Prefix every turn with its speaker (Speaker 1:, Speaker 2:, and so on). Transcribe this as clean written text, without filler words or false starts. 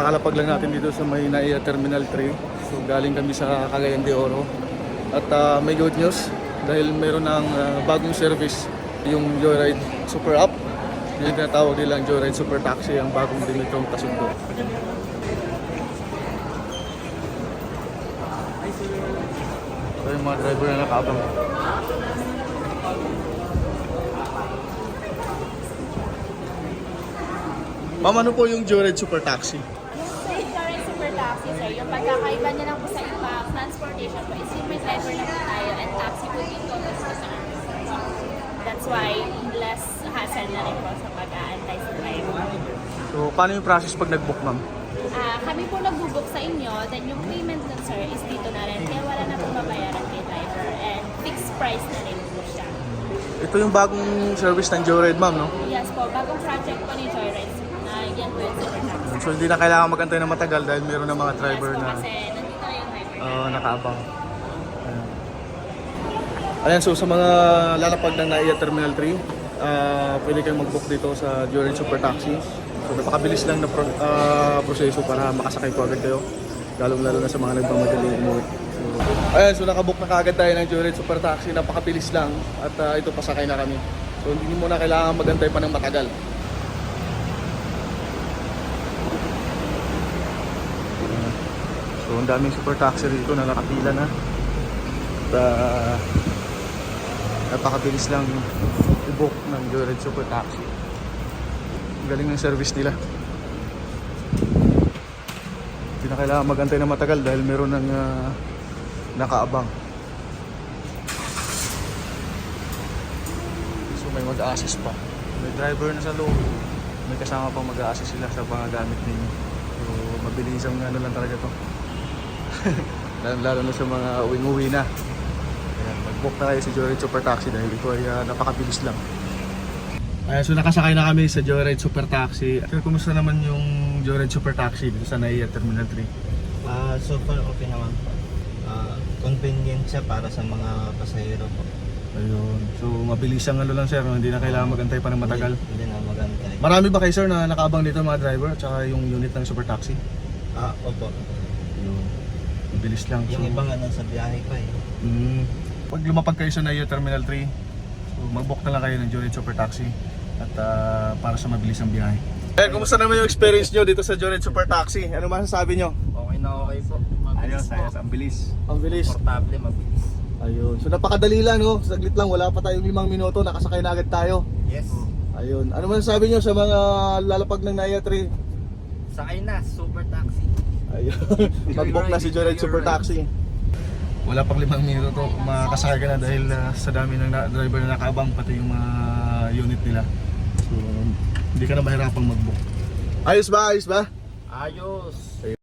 Speaker 1: Kakalapag lang natin dito sa may NAIA Terminal 3. So galing kami sa Cagayan de Oro. At may good news dahil mayroon ng bagong service, yung Joyride Super App. Yung tinatawag nilang Joyride Super Taxi, ang bagong limitong kasundo. So yung mga driver na nakaabang. Ma'am, ano po yung Joyride Super Taxi?
Speaker 2: Yung Joyride Super Taxi, sir, yung pagkakaiba niya lang po sa iba transportation po is yung may driver na po tayo and taxi po dito mas kasama. That's why less hassle na rin po sa pag-aantay sa driver.
Speaker 1: So, paano yung process pag nag-book, ma'am?
Speaker 2: Kami po nag-book sa inyo, then yung payment nun, sir, is dito na rin. Kaya wala na po mabayaran kay driver and fixed price na rin po siya.
Speaker 1: Ito yung bagong service ng Joyride, ma'am, no?
Speaker 2: Yes po, bagong project po ni Joyride na yan po yung Super Taxi.
Speaker 1: So, hindi na kailangan magantay na matagal dahil meron ng mga driver
Speaker 2: Yes po,
Speaker 1: na
Speaker 2: kasi nandito na yung driver.
Speaker 1: nakaabang. Ayan, so sa mga lalapag ng NAIA Terminal 3, pwede kayong mag-book dito sa Joyride Super Taxi. So, napakabilis lang na proseso para makasakay po agad kayo. Lalo na sa mga nagmamadali umuwi. So, ayan, so nakabook na kaagad tayo ng Joyride Super Taxi. Napakabilis lang at ito pasakay na kami. So, hindi mo na kailangan magantay pa ng matagal. So, ang daming super taxi rito na nakapila na. At napakabilis lang i-book ng Joyride Super Taxi. Ang galing ng service nila. Hindi na kailangan magantay na matagal dahil meron ng nakaabang. So may mag-a-assist pa. May driver na sa loob. May kasama pang mag-a-assist sila sa mga gamit ninyo. So mabilis ang ano lang talaga to. Lalo na sa mga uwing-uwi na. Ayan, mag-book na kayo sa Joyride Super Taxi dahil ito ay napakabilis lang. Ayan, so nakasakay na kami sa Joyride Super Taxi. Sir, kumusta naman yung Joyride Super Taxi dito sa NAIA Terminal 3?
Speaker 3: So far okay naman po. Convenient siya para sa mga pasahero po.
Speaker 1: Ayun. So mabilis ang ano lang sir, no? Hindi na kailangan magantay pa ng matagal.
Speaker 3: Hindi na magantay.
Speaker 1: Marami ba kayo sir na nakaabang dito mga driver at saka yung unit ng Super Taxi?
Speaker 3: Opo.
Speaker 1: Ayun. Mabilis lang.
Speaker 3: Yung iba nga nasa biyahe pa eh.
Speaker 1: Pag lumapag kayo sa NAIA Terminal 3, so mag-book na lang kayo ng Joyride Super Taxi at para sa mabilis ang biyahe. Eh, kumusta naman yung experience nyo dito sa Joyride Super Taxi? Ano masasabi nyo?
Speaker 3: Okay na okay po. Mabilis po.
Speaker 1: Ang bilis. Ang bilis.
Speaker 3: Portable, mabilis.
Speaker 1: Ayun. So napakadali lang, no? Saglit lang, wala pa tayong 5 minuto, nakasakay na agad tayo.
Speaker 3: Yes.
Speaker 1: Ayun. Ano masasabi nyo sa mga lalapag ng NAIA 3?
Speaker 3: Sakay na, Super Taxi.
Speaker 1: Ayun. Mag-book na si Joyride Super Taxi. Wala pang 5 minuto, makakasakay ka na dahil sa dami ng driver na nakaabang, pati yung mga unit nila. So, hindi ka na mahirapang mag-book. Ayos ba? Ayos ba?
Speaker 3: Ayos.